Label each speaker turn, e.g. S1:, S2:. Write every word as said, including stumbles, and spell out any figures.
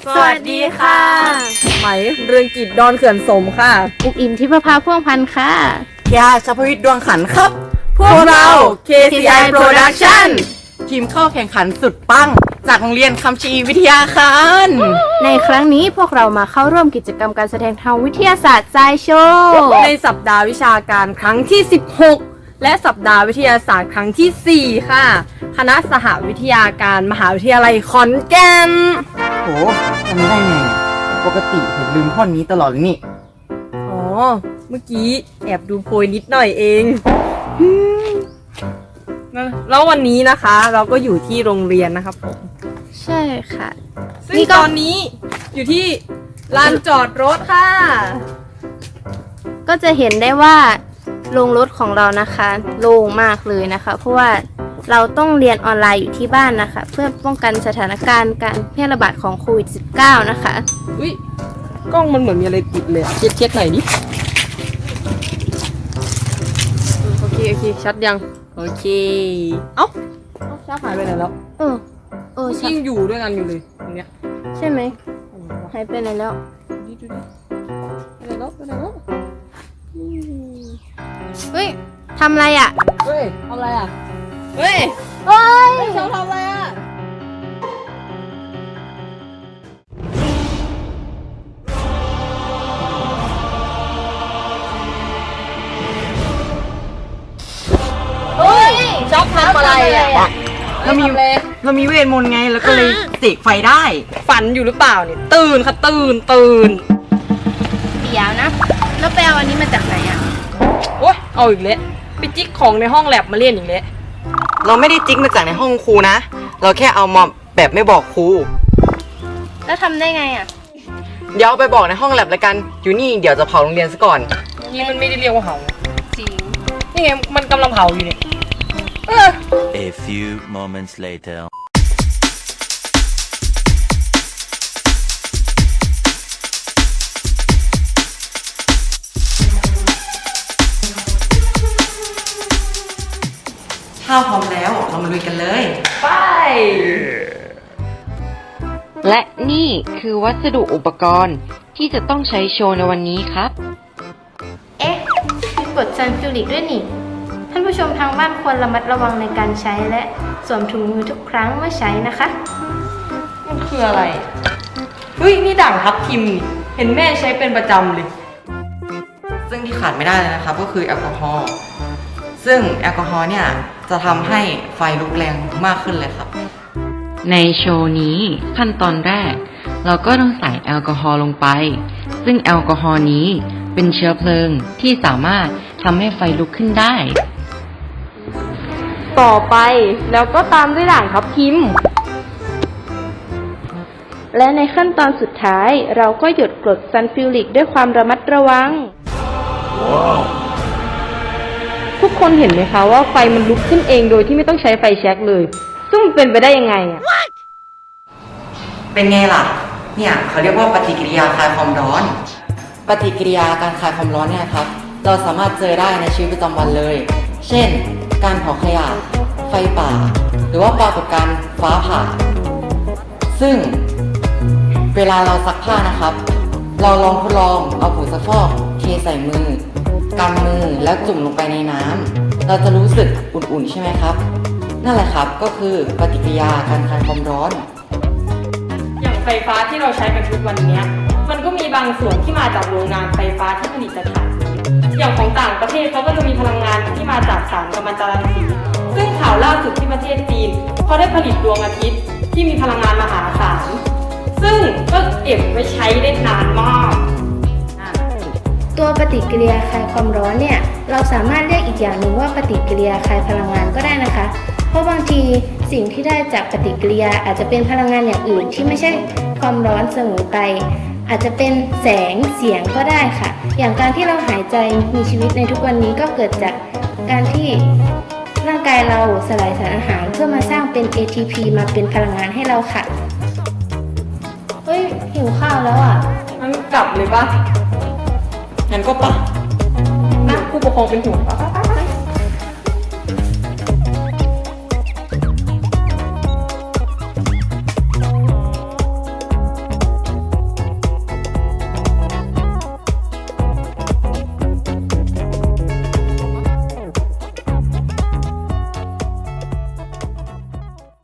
S1: สวัสดีค่ะไหมเรืองกิจดอนเขื่อนสมค่ะ
S2: อุกอิมทิพภาพ่วงพันธ์ค่ะ
S3: ยาชพวิทย์ดวงขันครับ
S1: พวกเรา เค ซี ไอ Production
S3: ทีมเข้าแข่งขันสุดปังจากโรงเรียนคำชะอีวิทยาคาร
S2: ในครั้งนี้พวกเรามาเข้าร่วมกิจกรรมการแสดงทางวิทยาศาสตร์ไซโชว์
S1: ในสัปดาห์วิชาการครั้งที่สิบหกและสัปดาห์วิทยาศาสตร์ครั้งที่สี่ค่ะคณะสหวิทยาการมหาวิทยาลัยขอนแก่น
S3: โหจำไม่ได้ไงปกติเห็นลืมท่อนนี้ตลอดเลยนี่
S1: อ๋อเมื่อกี้แอบดูโพยนิดหน่อยเอง แล้ววันนี้นะคะเราก็อยู่ที่โรงเรียนนะครับผม
S2: ใช่ค่ะ
S1: ซึ่งตอนนี้อยู่ที่ลานจอดรถค่ะ
S2: ก็จะเห็นได้ว่าโรงรถของเรานะคะโล่งมากเลยนะคะเพราะว่าเราต้องเรียนออนไลน์อยู่ที่บ้านนะคะเพื่อป้องกันสถานการณ์การแพร่ระบาดของโควิด สิบเก้า นะคะ
S1: อุ้ยกล้องมันเหมือนมีอะไรติดเลยเช็ดเช็ดหน่อยดิโอเคโอเคชัดยังโอเคเอ้าเอ้าชัดหายไปไหนแล้ว
S2: เออเออ
S1: ยิ่งอยู่ด้วยกันอยู่เลยตรงเนี้ย
S2: ใช่ไหมหายไปไหนแล้ว
S1: ดูดิไปไหนแล้วไปไหนแล้ว
S2: เฮ้ยทำอะไรอ่ะ
S1: เฮ้ยทำอะไรอ่ะเฮ้ย
S2: เฮ้ย
S1: เชาทำอะไรอ่ะเฮ้ยชอบทำอะไรอ่ะ
S3: เรามีเรามีเวทมนต์ไงแล้วก็เลยเสกไฟได้
S1: ฝันอยู่หรือเปล่าเนี่ยตื่นค่ะตื่นตื่น
S2: เดี๋ยวนะแล้วไปเอาอันนี้มาจากไหนอ่ะ
S1: โอ๊ยเอาอีกแล้วไปจิกของในห้องแลบมาเล่นอีกแล้ว
S3: เราไม่ได้จิกมาจากในห้องครูนะเราแค่เอามาแบบไม่บอกครู
S2: แล้วทำได้ไงอ่ะ
S3: เดี๋ยวไปบอกในห้องแลบแล้วกันอยู่นี่เดี๋ยวจะเผาโรงเรียนซะก่อน
S1: นี่มันไม่ได้เรียกว่าเผา
S2: จริง
S1: นี่ไงมันกำลังเผาอยู่เนี่ย
S4: A few moments later
S3: ถ้าพร้อมแล้วเรามาลุยกันเลย
S1: ไป
S5: และนี่คือวัสดุอุปกรณ์ที่จะต้องใช้โชว์ในวันนี้ครับ
S2: เอ๊ะมีกรดซัลฟิวริกด้วยนี่ท่านผู้ชมทางบ้านควรระมัดระวังในการใช้และสวมถุงมือทุกครั้งเมื่อใช้นะคะ
S1: มันคืออะไรเฮ้ยนี่ด่างทับทิมเห็นแม่ใช้เป็นประจำเลย
S3: ซึ่งที่ขาดไม่ได้เลยนะครับก็คือแอลกอฮอล์ซึ่งแอลกอฮอล์เนี่ยจะทำให้ไฟลุกแรงมากขึ้นเลยครับ
S5: ในโชว์นี้ขั้นตอนแรกเราก็ต้องใส่แอลกอฮอล์ลงไปซึ่งแอลกอฮอล์นี้เป็นเชื้อเพลิงที่สามารถทำให้ไฟลุกขึ้นได้
S1: ต่อไปแล้วก็ตามด้วยด่างทับทิม
S2: และในขั้นตอนสุดท้ายเราก็หยดกรดซัลฟิวริกด้วยความระมัดระวัง wow.
S1: ทุกคนเห็นไหมคะว่าไฟมันลุกขึ้นเองโดยที่ไม่ต้องใช้ไฟแช็กเลยซึ่งมันเป็นไปได้ยังไงอ่ะ
S3: เป็นไงล่ะเนี่ยเขาเรียกว่าปฏิกิริยาคลายความร้อนปฏิกิริยาการคลายความร้อนเนี่ยครับเราสามารถเจอได้ในชีวิตประจำวันเลยเช่นการเผาขยะไฟป่าหรือว่าปรากฏการณ์ฟ้าผ่าซึ่งเวลาเราซักผ้านะครับเราลองทดลองเอาผงซักฟอกเทใส่มือกำมือแล้วจุ่มลงไปในน้ำเราจะรู้สึกอุ่นๆใช่ไหมครับนั่นแหละครับก็คือปฏิกิริยาการคลายความร้อน
S1: อย่างไฟฟ้าที่เราใช้กันทุกวันนี้มันก็มีบางส่วนที่มาจากโรงงานไฟฟ้าที่ผลิตถ่านอย่างของต่างประเทศเขาก็จะมีพลังงานที่มาจากสารกัมมันตรังสีซึ่งข่าวล่าสุดที่ประเทศจีนเขาได้ผลิตดวงอาทิตย์ที่มีพลังงานมหาศาลซึ่งก็เก็บไว้ใช้ได้นานมาก
S2: ตัวปฏิกิริยาคลายความร้อนเนี่ยเราสามารถเรียกอีกอย่างหนึ่งว่าปฏิกิริยาคลายพลังงานก็ได้นะคะเพราะบางทีสิ่งที่ได้จากปฏิกิริยาอาจจะเป็นพลังงานอย่างอื่นที่ไม่ใช่ความร้อนเสมอไปอาจจะเป็นแสงเสียงก็ได้ค่ะอย่างการที่เราหายใจมีชีวิตในทุกวันนี้ก็เกิดจากการที่ร่างกายเราสลายสารอาหารเพื่อมาสร้างเป็น เอ ที พี มาเป็นพลังงานให้เราค่ะเฮ้ยหิวข้าวแล้วอ่ะ
S1: งั้นกลับเลยปะ
S3: งั้นก็ปะ
S1: นะผู้ปกครองเป็นห่วงปะ